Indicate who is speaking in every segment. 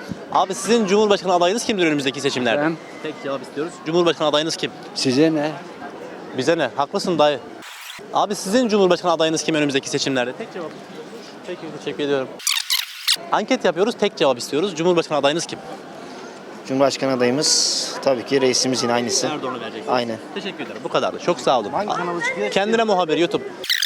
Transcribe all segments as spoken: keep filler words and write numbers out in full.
Speaker 1: Abi sizin Cumhurbaşkanı adayınız kimdir önümüzdeki seçimlerde?
Speaker 2: Ben.
Speaker 1: Tek cevap istiyoruz. Cumhurbaşkanı adayınız kim?
Speaker 2: Size ne?
Speaker 1: Bize ne? Haklısın dayı. Abi sizin Cumhurbaşkanı adayınız kim önümüzdeki seçimlerde? Tek cevap. Peki teşekkür ediyorum. Anket yapıyoruz. Tek cevap istiyoruz. Cumhurbaşkanı adayınız kim?
Speaker 3: Cumhurbaşkanı adayımız tabii ki reisimiz yine aynısı.
Speaker 1: Erdoğan'ı vereceksiniz.
Speaker 3: Aynen.
Speaker 1: Teşekkür ederim. Bu kadardı. Çok sağ olun.
Speaker 3: Hangi kanalı çıkıyor?
Speaker 1: Kendine muhabir YouTube.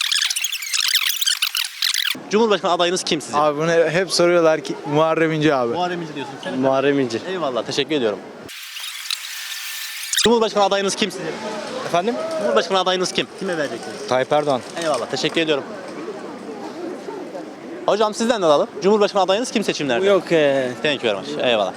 Speaker 1: Cumhurbaşkanı adayınız kim sizin?
Speaker 4: Abi bunu hep soruyorlar ki Muharrem İnce abi.
Speaker 1: Muharrem İnce diyorsun. Senin
Speaker 2: Muharrem İnce.
Speaker 1: Eyvallah. Teşekkür ediyorum. Cumhurbaşkanı adayınız kim sizin?
Speaker 2: Efendim?
Speaker 1: Cumhurbaşkanı adayınız kim? Kime vereceksiniz?
Speaker 4: Tayyip Erdoğan.
Speaker 1: Eyvallah. Teşekkür ediyorum. Hocam sizden de alalım. Cumhurbaşkanı adayınız kim seçimlerde?
Speaker 2: Yok ee.
Speaker 1: Thank you very much. Eyvallah.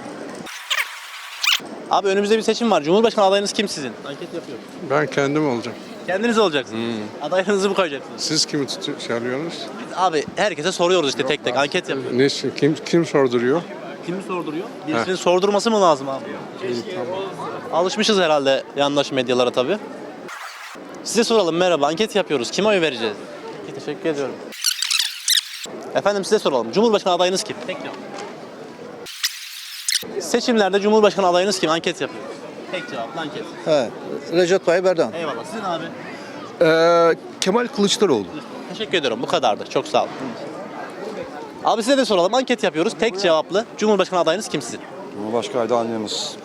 Speaker 1: Abi önümüzde bir seçim var. Cumhurbaşkanı adayınız kim sizin? Anket yapıyorum.
Speaker 5: Ben kendim olacağım.
Speaker 1: Kendiniz olacaksınız. Adayınızı mı koyacaksınız?
Speaker 5: Siz kimi tutu- şey alıyorsunuz?
Speaker 1: Biz abi herkese soruyoruz işte tek tek anket yapıyoruz.
Speaker 5: Ne, kim kim sorduruyor?
Speaker 1: Kimi sorduruyor? Birisinin sordurması mı lazım abi? Alışmışız herhalde yandaş medyalara tabii. Size soralım, merhaba, anket yapıyoruz. Kime oy vereceğiz? Peki, teşekkür ediyorum. Efendim size soralım. Cumhurbaşkanı adayınız kim? Tek cevap. Seçimlerde Cumhurbaşkanı adayınız kim? Anket yapıyoruz. Tek cevaplı anket.
Speaker 6: He, Recep Tayyip Erdoğan.
Speaker 1: Eyvallah. Sizin abi?
Speaker 6: Ee, Kemal Kılıçdaroğlu.
Speaker 1: Teşekkür ediyorum. Bu kadardı. Çok sağ olun. Abi size de soralım. Anket yapıyoruz. Tek cevaplı. Cumhurbaşkanı adayınız kim sizin?
Speaker 7: Cumhurbaşkanı adayımız.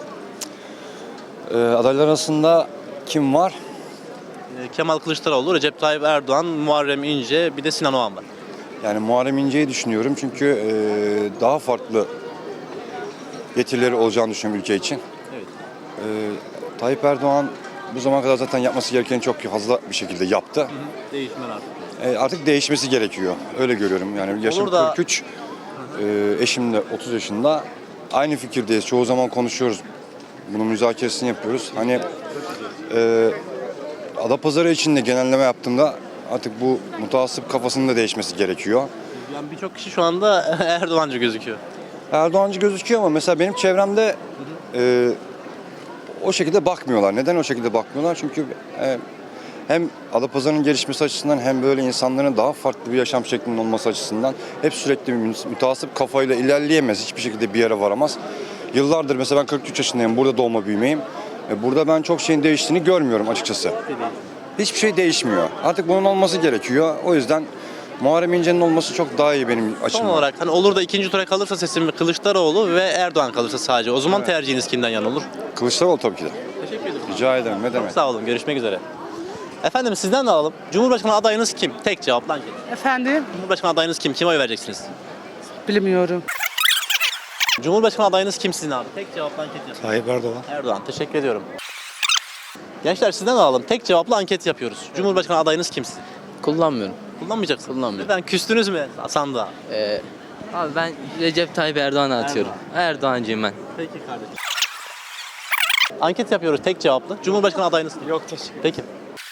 Speaker 7: Ee, adaylar arasında kim var?
Speaker 1: Ee, Kemal Kılıçdaroğlu, Recep Tayyip Erdoğan, Muharrem İnce, bir de Sinan Oğan var.
Speaker 7: Yani Muharrem İnce'yi düşünüyorum çünkü e, daha farklı getirileri olacağını düşünüyorum ülke için.
Speaker 1: Evet.
Speaker 7: Ee, Tayyip Erdoğan bu zamana kadar zaten yapması gerekeni çok fazla bir şekilde yaptı.
Speaker 1: Değişmen artık.
Speaker 7: E, artık değişmesi gerekiyor. Öyle görüyorum. Yani yaşım
Speaker 1: Olur da-
Speaker 7: kırk üç, e, eşim de otuz yaşında. Aynı fikirdeyiz. Çoğu zaman konuşuyoruz. Bunun müzakeresini yapıyoruz. Hani e, Adapazarı için de genelleme yaptığımda artık bu mutasip kafasının da değişmesi gerekiyor.
Speaker 1: Yani birçok kişi şu anda Erdoğancı gözüküyor.
Speaker 7: Erdoğancı gözüküyor ama mesela benim çevremde e, o şekilde bakmıyorlar. Neden o şekilde bakmıyorlar? Çünkü e, hem Adapazarı'nın gelişmesi açısından hem böyle insanların daha farklı bir yaşam şeklinin olması açısından hep sürekli bir mütasip kafayla ilerleyemez. Hiçbir şekilde bir yere varamaz. Yıllardır mesela ben kırk üç yaşındayım. Burada doğma büyümeyim. E, burada ben çok şeyin değiştiğini görmüyorum açıkçası. Hiçbir şey değişmiyor. Artık bunun olması gerekiyor. O yüzden Muharrem İnce'nin olması çok daha iyi benim
Speaker 1: Son
Speaker 7: açımdan.
Speaker 1: olarak hani olur da ikinci tura kalırsa seçim Kılıçdaroğlu ve Erdoğan kalırsa sadece. O zaman tercihiniz kimden yana olur?
Speaker 7: Kılıçdaroğlu tabii ki de.
Speaker 1: Teşekkür ederim.
Speaker 7: Rica ederim. Ne demek?
Speaker 1: Sağ olun. Görüşmek üzere. Efendim sizden de alalım. Cumhurbaşkanı adayınız kim? Tek cevaplı anket.
Speaker 8: Efendim?
Speaker 1: Cumhurbaşkanı adayınız kim? Kime oy vereceksiniz?
Speaker 8: Bilmiyorum.
Speaker 1: Cumhurbaşkanı adayınız kim sizin abi? Tek cevaplı anket yapın.
Speaker 6: Tayyip Erdoğan.
Speaker 1: Erdoğan. Teşekkür ediyorum. Gençler sizden de alalım. Tek cevaplı anket yapıyoruz. Cumhurbaşkanı adayınız kim sizin?
Speaker 2: Kullanmıyorum.
Speaker 1: Kullanmayacaksınız.
Speaker 2: Kullanmıyorum.
Speaker 1: Neden? Küstünüz mü sandığa?
Speaker 2: Ee, abi ben Recep Tayyip Erdoğan'a atıyorum. Erdoğancıyım ben.
Speaker 1: Peki kardeşim. Anket yapıyoruz tek cevaplı. Cumhurbaşkanı adayınız kim?
Speaker 4: Yok teşekkür.
Speaker 1: Peki.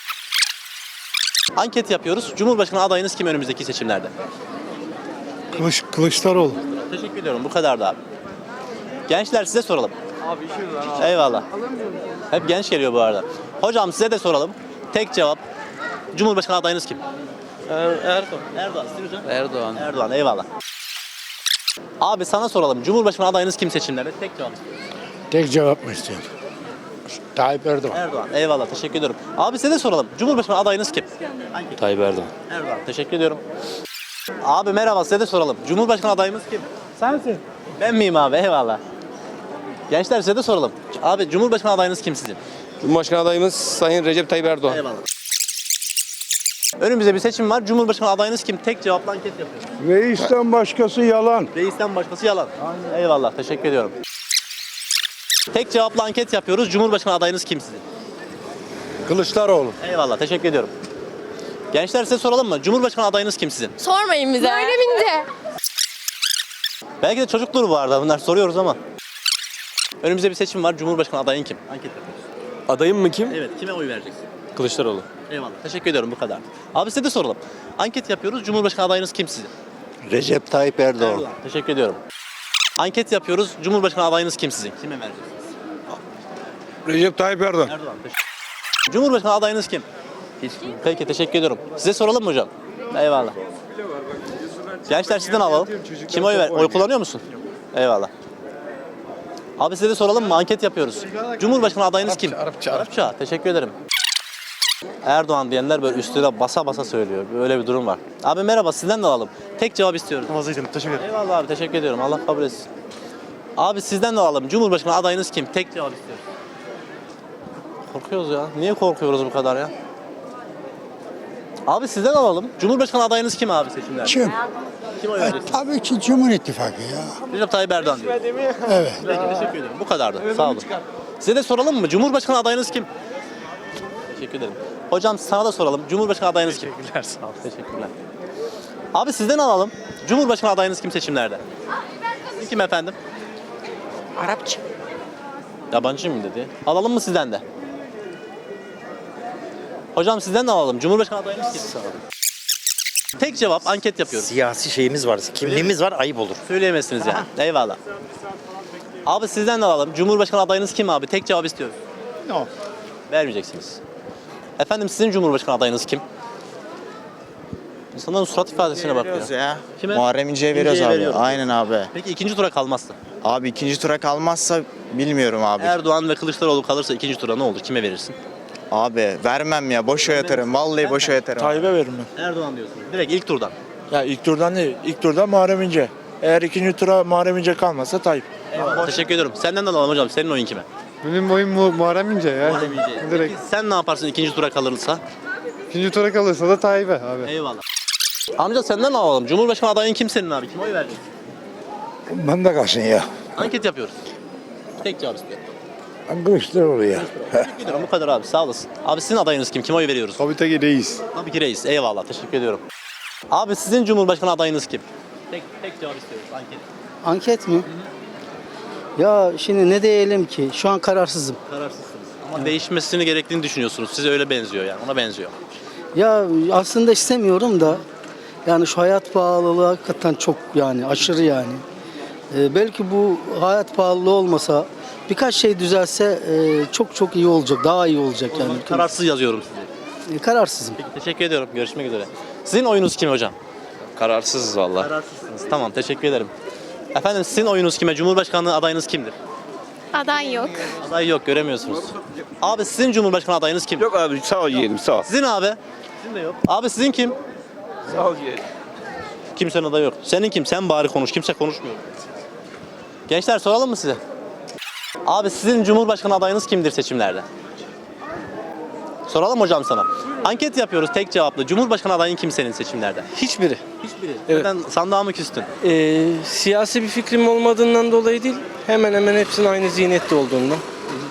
Speaker 1: Anket yapıyoruz. Cumhurbaşkanı adayınız kim önümüzdeki seçimlerde?
Speaker 6: Kılıç, Kılıçdaroğlu.
Speaker 1: Teşekkür ediyorum. Bu kadardı abi. Gençler size soralım. Abi işimiz var abi. Eyvallah. Hep genç geliyor bu arada. Hocam size de soralım. Tek cevap. Cumhurbaşkanı adayınız kim?
Speaker 2: Erdoğan.
Speaker 1: Erdoğan. Sizin hocam?
Speaker 2: Erdoğan.
Speaker 1: Erdoğan. Eyvallah. Abi sana soralım. Cumhurbaşkanı adayınız kim seçimlerde? Tek cevap.
Speaker 6: Tek cevap mı istiyorsun? Tayyip Erdoğan.
Speaker 1: Erdoğan. Eyvallah. Teşekkür ediyorum. Abi size de soralım. Cumhurbaşkanı adayınız kim? Hangi?
Speaker 2: Tayyip Erdoğan.
Speaker 1: Erdoğan. Teşekkür ediyorum. Abi merhaba size de soralım. Cumhurbaşkanı adayımız kim?
Speaker 8: Sensin.
Speaker 1: Ben miyim abi? Eyvallah. Gençler size de soralım. Abi Cumhurbaşkanı adayınız kim sizin?
Speaker 4: Cumhurbaşkanı adayımız Sayın Recep Tayyip Erdoğan.
Speaker 1: Eyvallah. Önümüzde bir seçim var. Cumhurbaşkanı adayınız kim? Tek cevaplı anket yapıyoruz.
Speaker 6: Reisten başkası yalan.
Speaker 1: Reisten başkası yalan. Aynen. Eyvallah. Teşekkür ediyorum. Tek cevaplı anket yapıyoruz. Cumhurbaşkanı adayınız kim sizin?
Speaker 6: Kılıçdaroğlu.
Speaker 1: Eyvallah. Teşekkür ediyorum. Gençler size soralım mı? Cumhurbaşkanı adayınız kim sizin?
Speaker 9: Sormayın bize. Öyle mince.
Speaker 1: Belki de çocuktur bu arada. Bunlar soruyoruz ama. Önümüzde bir seçim var. Cumhurbaşkanı adayın kim? Anket yapıyoruz.
Speaker 4: Adayım mı kim?
Speaker 1: Evet. Kime oy vereceksin?
Speaker 4: Kılıçdaroğlu.
Speaker 1: Eyvallah. Teşekkür ediyorum. Bu kadar. Abi size de soralım. Anket yapıyoruz. Cumhurbaşkanı adayınız kim sizin?
Speaker 6: Recep Tayyip Erdoğan.
Speaker 1: Erdoğan. Teşekkür ediyorum. Anket yapıyoruz. Cumhurbaşkanı adayınız kim sizin? Kime vereceksiniz?
Speaker 6: Recep Tayyip Erdoğan.
Speaker 1: Erdoğan. Teşekkür Cumhurbaşkanı adayınız kim? Hiç. Peki teşekkür ediyorum. Size soralım mı hocam? Eyvallah. Gençler sizden alalım. Kim oy ver? Oy kullanıyor musun? Eyvallah. Abi size de soralım mı? Anket yapıyoruz. Cumhurbaşkanı adayınız kim?
Speaker 6: Arapça,
Speaker 1: Arapça. Teşekkür ederim. Erdoğan diyenler böyle üstüne basa basa söylüyor. Böyle bir durum var. Abi merhaba, sizden de alalım. Tek cevap istiyoruz.
Speaker 9: Vaziydim. Teşekkür ederim.
Speaker 1: Eyvallah abi, teşekkür ediyorum. Allah kabul etsin. Abi sizden de alalım. Cumhurbaşkanı adayınız kim? Tek cevap istiyoruz. Korkuyoruz ya. Niye korkuyoruz bu kadar ya? Abi sizden alalım. Cumhurbaşkanı adayınız kim abi seçimlerde?
Speaker 6: Kim?
Speaker 1: Kim oy
Speaker 6: E,
Speaker 1: vereceksiniz?
Speaker 6: tabii ki Cumhur İttifakı ya.
Speaker 1: Recep Tayyip Erdoğan diyor.
Speaker 6: Evet.
Speaker 1: Peki, teşekkür ederim. Bu kadardı. Sağ olun. Size de soralım mı? Cumhurbaşkanı adayınız kim? Teşekkür ederim. Hocam sana da soralım. Cumhurbaşkanı adayınız kim? Teşekkürler. Sağ olun. Teşekkürler. Abi sizden alalım. Cumhurbaşkanı adayınız kim seçimlerde? Siz kim efendim?
Speaker 8: Arapça.
Speaker 1: Yabancı mı dedi? Alalım mı sizden de? Hocam sizden de alalım. Cumhurbaşkanı adayınız kim? Sağ olun. Tek cevap, anket yapıyoruz.
Speaker 9: Siyasi şeyimiz var. Kimliğimiz var. Ayıp olur.
Speaker 1: Söyleyemezsiniz yani. Eyvallah. Abi sizden de alalım. Cumhurbaşkanı adayınız kim abi? Tek cevap istiyoruz.
Speaker 6: Yok.
Speaker 1: Vermeyeceksiniz. Efendim sizin Cumhurbaşkanı adayınız kim? İnsanların surat ifadesine bak ya.
Speaker 10: ya.
Speaker 1: Kime?
Speaker 10: Muharrem İnce'ye veriyoruz
Speaker 1: İnce'ye
Speaker 10: abi.
Speaker 1: veriyoruz.
Speaker 10: Aynen abi.
Speaker 1: Peki ikinci tura kalmazsa?
Speaker 10: Abi ikinci tura kalmazsa bilmiyorum abi.
Speaker 1: Erdoğan ve Kılıçdaroğlu kalırsa ikinci tura ne olur? Kime verirsin?
Speaker 10: Abi vermem ya. Boşa yatarım. Vallahi boşa yatarım.
Speaker 11: Tayyip'e veririm ben.
Speaker 1: Erdoğan diyorsun. Direkt ilk turdan.
Speaker 11: Ya ilk turdan değil, ilk turdan Muharrem İnce. Eğer ikinci tura Muharrem İnce kalmazsa Tayyip.
Speaker 1: Eyvallah. Teşekkür ediyorum. Senden de alalım hocam. Senin oyun kime?
Speaker 5: Benim oyun mu Muharrem İnce ya.
Speaker 1: Muharrem İnce.
Speaker 5: Direkt.
Speaker 1: Peki sen ne yaparsın ikinci tura kalırsa?
Speaker 5: İkinci tura kalırsa da Tayyip'e abi.
Speaker 1: Eyvallah. Amca senden alalım. Cumhurbaşkanı adayın kim senin abi? Kime oy vereceksin?
Speaker 6: Ben de kalsın ya.
Speaker 1: Anket yapıyoruz. Tek cevap istiyorum.
Speaker 6: Ben Kılıçdaroğlu ya.
Speaker 1: Teşekkür ederim. Bu kadar abi. Sağ olasın. Abi sizin adayınız kim? Kime oy veriyoruz?
Speaker 5: Tabii ki reis.
Speaker 1: Tabii ki reis. Eyvallah. Teşekkür ediyorum. Abi sizin Cumhurbaşkanı adayınız kim? Tek tek cevap istiyoruz. Anket.
Speaker 8: Anket mi? Ya şimdi ne diyelim ki? Şu an kararsızım.
Speaker 1: Kararsızsınız. Ama değişmesini gerektiğini düşünüyorsunuz. Size öyle benziyor yani. Ona benziyor.
Speaker 8: Ya aslında istemiyorum da yani şu hayat pahalılığı hakikaten çok yani aşırı yani. Ee, belki bu hayat pahalılığı olmasa birkaç şey düzelse e, çok çok iyi olacak. Daha iyi olacak
Speaker 1: O
Speaker 8: yani.
Speaker 1: zaman kararsız yazıyorum size.
Speaker 8: E, kararsızım.
Speaker 1: Peki, teşekkür ediyorum. Görüşmek üzere. Sizin oyunuz kim hocam?
Speaker 4: Kararsızız valla.
Speaker 1: Kararsızsınız. Tamam. Teşekkür ederim. Efendim sizin oyunuz kime? Cumhurbaşkanlığı adayınız kimdir?
Speaker 12: Aday yok.
Speaker 1: Aday yok. Göremiyorsunuz. Abi sizin Cumhurbaşkanı adayınız kim?
Speaker 4: Yok abi sağ ol yeğenim sağ ol.
Speaker 1: Sizin abi? Sizin de yok. Abi sizin kim?
Speaker 4: Sağ ol yeğenim.
Speaker 1: Kimsenin adayı yok. Senin kim? Sen bari konuş. Kimse konuşmuyor. Gençler soralım mı size? Abi sizin Cumhurbaşkanı adayınız kimdir seçimlerde? Soralım hocam sana. Anket yapıyoruz tek cevaplı. Cumhurbaşkanı adayın kim senin seçimlerde?
Speaker 2: Hiçbiri.
Speaker 1: Hiçbiri.
Speaker 2: Evet.
Speaker 1: Neden sandığa mı küstün?
Speaker 2: Ee, siyasi bir fikrim olmadığından dolayı değil, hemen hemen hepsinin aynı zihniyette olduğundan.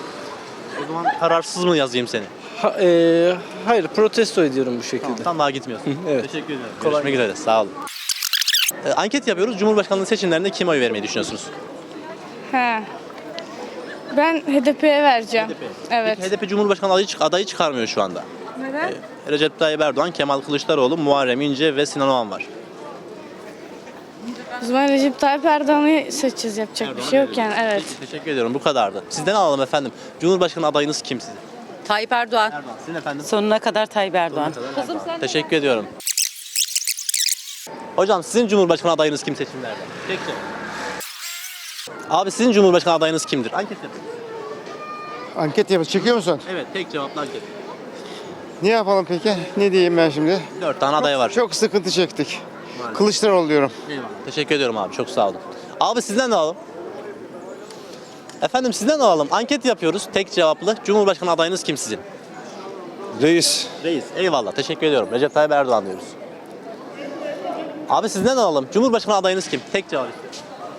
Speaker 1: O zaman kararsız mı yazayım seni?
Speaker 2: Ha, ee, hayır, protesto ediyorum bu şekilde.
Speaker 1: Sandığa gitmiyorsun.
Speaker 2: Evet.
Speaker 1: Teşekkür ederim. Görüşmek üzere. Sağ olun. Ee, anket yapıyoruz. Cumhurbaşkanlığı seçimlerinde kime oy vermeyi düşünüyorsunuz?
Speaker 12: He. Ben H D P'ye vereceğim.
Speaker 1: H D P.
Speaker 12: Evet.
Speaker 1: Peki H D P Cumhurbaşkanı adayı, çık- adayı çıkarmıyor şu anda.
Speaker 12: Neden?
Speaker 1: Recep Tayyip Erdoğan, Kemal Kılıçdaroğlu, Muharrem İnce ve Sinan Oğan var.
Speaker 12: O zaman Recep Tayyip Erdoğan'ı seçeceğiz. Yapacak bir şey yok yani. Evet.
Speaker 1: Peki, teşekkür ediyorum. Bu kadardı. Sizden alalım efendim. Cumhurbaşkanı adayınız kim sizin?
Speaker 8: Tayyip Erdoğan.
Speaker 1: Erdoğan. Sizin efendim?
Speaker 8: Sonuna kadar Tayyip Erdoğan.
Speaker 1: Teşekkür ediyorum. Hocam sizin Cumhurbaşkanı adayınız kim seçimlerde? Tek cevap. Abi sizin Cumhurbaşkanı adayınız kimdir? Anket yapın.
Speaker 6: Anket yapıyoruz. Çekiyor musun?
Speaker 1: Evet, tek cevaplı anket.
Speaker 6: Ne yapalım peki? Ne diyeyim ben şimdi?
Speaker 1: Dört tane aday var.
Speaker 6: Çok sıkıntı çektik. Kılıçdaroğlu diyorum.
Speaker 1: Eyvallah. Teşekkür ediyorum abi. Çok sağ olun. Abi sizden de alalım. Efendim sizden de alalım. Anket yapıyoruz. Tek cevaplı. Cumhurbaşkanı adayınız kim sizin?
Speaker 4: Reis.
Speaker 1: Reis. Eyvallah. Teşekkür ediyorum. Recep Tayyip Erdoğan diyoruz. Abi sizden de alalım. Cumhurbaşkanı adayınız kim? Tek cevap istiyorum.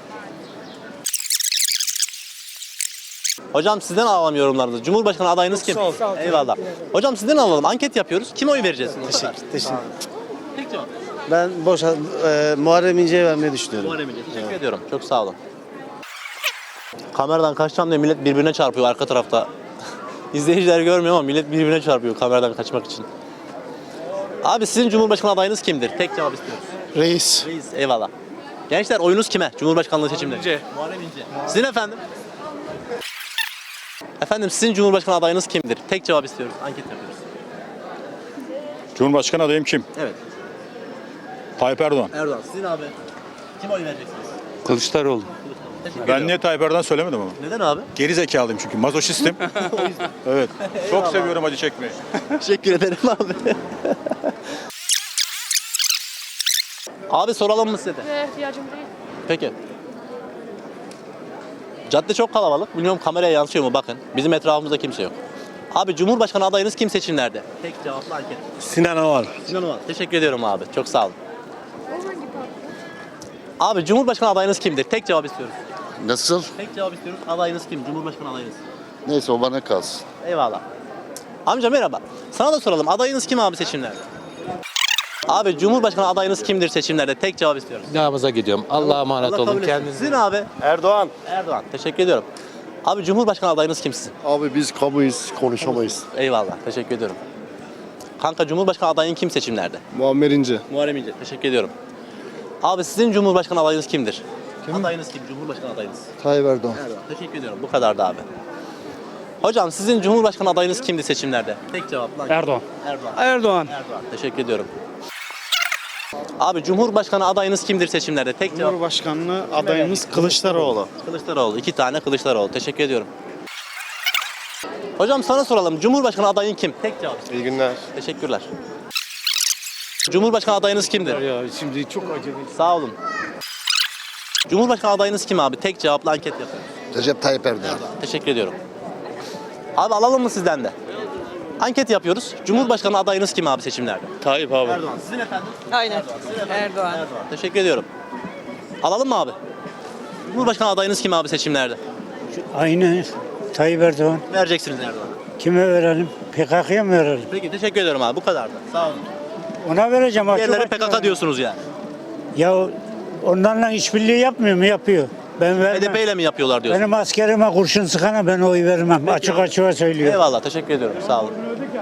Speaker 1: Hocam sizden alalım yorumlarınızı. Cumhurbaşkanı adayınız kim? Eyvallah. Hocam sizden alalım. Anket yapıyoruz. Kime oy vereceğiz? Teşekkür,
Speaker 8: Teşekkür.
Speaker 1: Tek cevap.
Speaker 8: Ben boş e, Muharrem İnce'ye vermeyi düşünüyorum.
Speaker 1: Muharrem İnce. Teşekkür ediyorum. Çok sağ olun. Kameradan kaçacağım diye millet birbirine çarpıyor arka tarafta. İzleyiciler görmüyor ama millet birbirine çarpıyor kameradan kaçmak için. Abi sizin Cumhurbaşkanı adayınız kimdir? Tek cevap istiyoruz.
Speaker 6: Reis.
Speaker 1: Reis. Eyvallah. Gençler oyunuz kime? Cumhurbaşkanlığı seçimleri. İnce. Muharrem İnce. Sizin efendim? Efendim sizin Cumhurbaşkanı adayınız kimdir? Tek cevap istiyoruz. Anket yapıyoruz.
Speaker 7: Cumhurbaşkanı adayım kim?
Speaker 1: Evet.
Speaker 7: Tayyip Erdoğan.
Speaker 1: Erdoğan. Sizin abi. Kime oy vereceksiniz?
Speaker 4: Kılıçdaroğlu.
Speaker 11: Ben niye Tayyip Erdoğan söylemedim ama?
Speaker 1: Neden abi?
Speaker 11: Geri zekalıyım çünkü mazoşistim. Evet. Çok seviyorum acı çekmeyi.
Speaker 1: Teşekkür ederim abi. Abi soralım mı size de?
Speaker 12: ihtiyacım değil.
Speaker 1: Peki. Cadde çok kalabalık. Bilmiyorum kameraya yansıyor mu bakın. Bizim etrafımızda kimse yok. Abi Cumhurbaşkanı adayınız kim seçimlerde? Tek cevaplı anket.
Speaker 6: Sinan Oğan.
Speaker 1: Sinan Oğan. Teşekkür ediyorum abi. Çok sağ olun. Abi Cumhurbaşkanı adayınız kimdir? Tek cevap istiyoruz.
Speaker 6: Nasıl?
Speaker 1: Tek cevap istiyoruz. Adayınız kim? Cumhurbaşkanı adayınız.
Speaker 6: Neyse o bana kalsın.
Speaker 1: Eyvallah. Amca merhaba. Sana da soralım. Adayınız kim abi seçimlerde? Abi Cumhurbaşkanı adayınız kimdir seçimlerde? Tek cevap istiyorum.
Speaker 2: Namaza gidiyorum. Allah'a emanet
Speaker 1: Allah kabul
Speaker 2: olun.
Speaker 1: etsin.
Speaker 2: Kendinize.
Speaker 1: Sizin abi?
Speaker 3: Erdoğan.
Speaker 1: Erdoğan. Teşekkür ediyorum. Abi Cumhurbaşkanı adayınız kim sizin?
Speaker 5: Abi biz kamuyuz, konuşamayız.
Speaker 1: Eyvallah. Teşekkür ediyorum. Kanka Cumhurbaşkanı adayın kim seçimlerde?
Speaker 5: Muammer İnce.
Speaker 1: Muharrem İnce. Teşekkür ediyorum. Abi sizin Cumhurbaşkanı adayınız kimdir? Adayınız kim? Cumhurbaşkanı adayınız.
Speaker 5: Tayyip Erdoğan.
Speaker 1: Erdoğan. Teşekkür ediyorum. Bu kadardı abi. Hocam sizin Cumhurbaşkanı adayınız kimdi seçimlerde? Tek cevap lan.
Speaker 2: Erdoğan.
Speaker 1: Erdoğan.
Speaker 2: Erdoğan.
Speaker 1: Erdoğan. Teşekkür ediyorum. Abi Cumhurbaşkanı adayınız kimdir seçimlerde? Tek cevap.
Speaker 10: Cumhurbaşkanlığı adayımız Kılıçdaroğlu.
Speaker 1: Kılıçdaroğlu. İki tane Kılıçdaroğlu. Teşekkür ediyorum. Hocam sana soralım. Cumhurbaşkanı adayın kim? Tek cevap.
Speaker 5: İyi günler.
Speaker 1: Teşekkürler. Cumhurbaşkanı adayınız kimdir?
Speaker 6: Ya şimdi çok acele.
Speaker 1: Sağ olun. Cumhurbaşkanı adayınız kim abi? Tek cevaplı anket yapıyoruz.
Speaker 6: Recep Tayyip Erdoğan.
Speaker 1: Teşekkür ediyorum. Abi alalım mı sizden de? Anket yapıyoruz. Cumhurbaşkanı adayınız kim abi seçimlerde?
Speaker 4: Tayyip abi.
Speaker 1: Erdoğan. Sizin efendim?
Speaker 12: Aynen.
Speaker 1: Erdoğan. Sizin efendim?
Speaker 12: Erdoğan.
Speaker 1: Erdoğan. Teşekkür ediyorum. Alalım mı abi? Cumhurbaşkanı adayınız kim abi seçimlerde?
Speaker 6: Aynı Tayyip Erdoğan.
Speaker 1: Vereceksiniz Erdoğan'a.
Speaker 6: Kime verelim? P K K'ya mı verelim?
Speaker 1: Peki teşekkür ediyorum abi. Bu kadardı. Sağ olun.
Speaker 6: Ona vereceğim. açık
Speaker 1: Diğerleri
Speaker 6: açık.
Speaker 1: P K K diyorsunuz yani.
Speaker 6: Ya onlarla işbirliği yapmıyor mu? Yapıyor. Ben
Speaker 1: H D
Speaker 6: vermem.
Speaker 1: P ile mi yapıyorlar diyorsunuz?
Speaker 6: Benim askerime kurşun sıkana ben oy vermem. Açık açığa söylüyorum.
Speaker 1: Eyvallah. Teşekkür ediyorum. Sağ olun.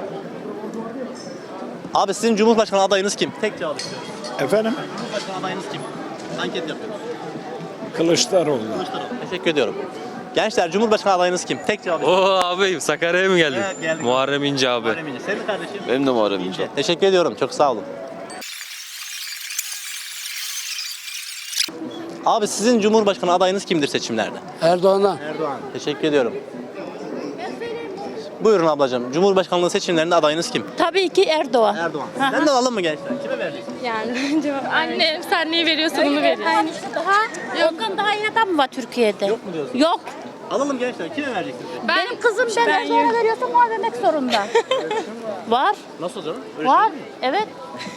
Speaker 1: Abi sizin Cumhurbaşkanı adayınız kim? Tek cevap istiyorum.
Speaker 6: Efendim?
Speaker 1: Cumhurbaşkanı adayınız kim? Anket yapıyoruz.
Speaker 6: Kılıçdaroğlu.
Speaker 1: Kılıçdaroğlu. Teşekkür ediyorum. Gençler Cumhurbaşkanı adayınız kim? Tek cevap istiyorum.
Speaker 2: Oo abi Sakarya'ya mı geldin?
Speaker 1: Evet, geldik.
Speaker 2: Muharrem İnce abi.
Speaker 1: Muharrem İnce. Senin kardeşim?
Speaker 4: Benim de Muharrem İnce.
Speaker 1: Teşekkür ediyorum. Çok sağ olun. Abi sizin Cumhurbaşkanı adayınız kimdir seçimlerde?
Speaker 8: Erdoğan'a.
Speaker 1: Erdoğan. Teşekkür ediyorum. Buyurun ablacığım. Cumhurbaşkanlığı seçimlerinde adayınız kim?
Speaker 12: Tabii ki Erdoğan.
Speaker 1: Erdoğan. Sizden de alalım mı gençler? Kime vereceksiniz?
Speaker 12: Yani annem sen neyi veriyorsun onu veriyor.
Speaker 13: Daha ondan daha iyi adam mı var Türkiye'de?
Speaker 1: Yok mu diyorsun?
Speaker 13: Yok.
Speaker 1: Alalım gençler. Kime vereceksiniz?
Speaker 13: Benim kızım ben, ben ona veriyorsam ona vermek zorunda. Var.
Speaker 1: Nasıl canım? Öyle
Speaker 13: Var.
Speaker 1: şey mi?
Speaker 13: Evet.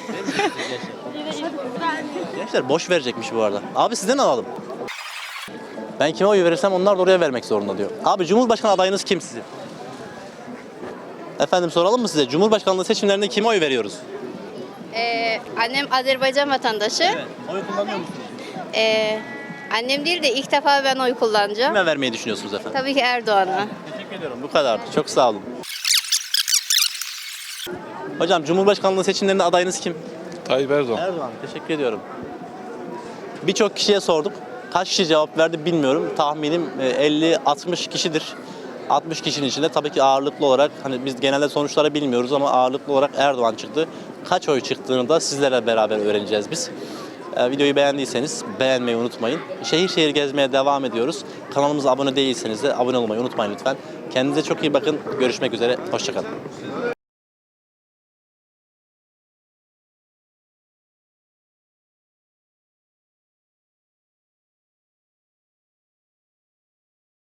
Speaker 1: Gençler boş verecekmiş bu arada. Abi sizden alalım. Ben kime oy verirsem onlar da oraya vermek zorunda diyor. Abi Cumhurbaşkanı adayınız kim sizin? Efendim soralım mı size? Cumhurbaşkanlığı seçimlerinde kime oy veriyoruz?
Speaker 13: Ee, annem Azerbaycan vatandaşı.
Speaker 1: Evet. Oy kullanıyor musunuz?
Speaker 13: Ee, annem değil de ilk defa ben oy kullanacağım.
Speaker 1: Kime vermeyi düşünüyorsunuz efendim?
Speaker 13: Tabii ki Erdoğan'a.
Speaker 1: Teşekkür ediyorum. Bu kadardı. Çok sağ olun. Hocam Cumhurbaşkanlığı seçimlerinde adayınız kim?
Speaker 11: Tayyip Erdoğan.
Speaker 1: Erdoğan. Teşekkür ediyorum. Birçok kişiye sorduk. Kaç kişi cevap verdi bilmiyorum. Tahminim elli altmış kişidir. altmış kişinin içinde tabii ki ağırlıklı olarak hani biz genelde sonuçları bilmiyoruz ama ağırlıklı olarak Erdoğan çıktı. Kaç oy çıktığını da sizlerle beraber öğreneceğiz biz. Ee, videoyu beğendiyseniz beğenmeyi unutmayın. Şehir şehir gezmeye devam ediyoruz. Kanalımıza abone değilseniz de abone olmayı unutmayın lütfen. Kendinize çok iyi bakın. Görüşmek üzere. Hoşça kalın.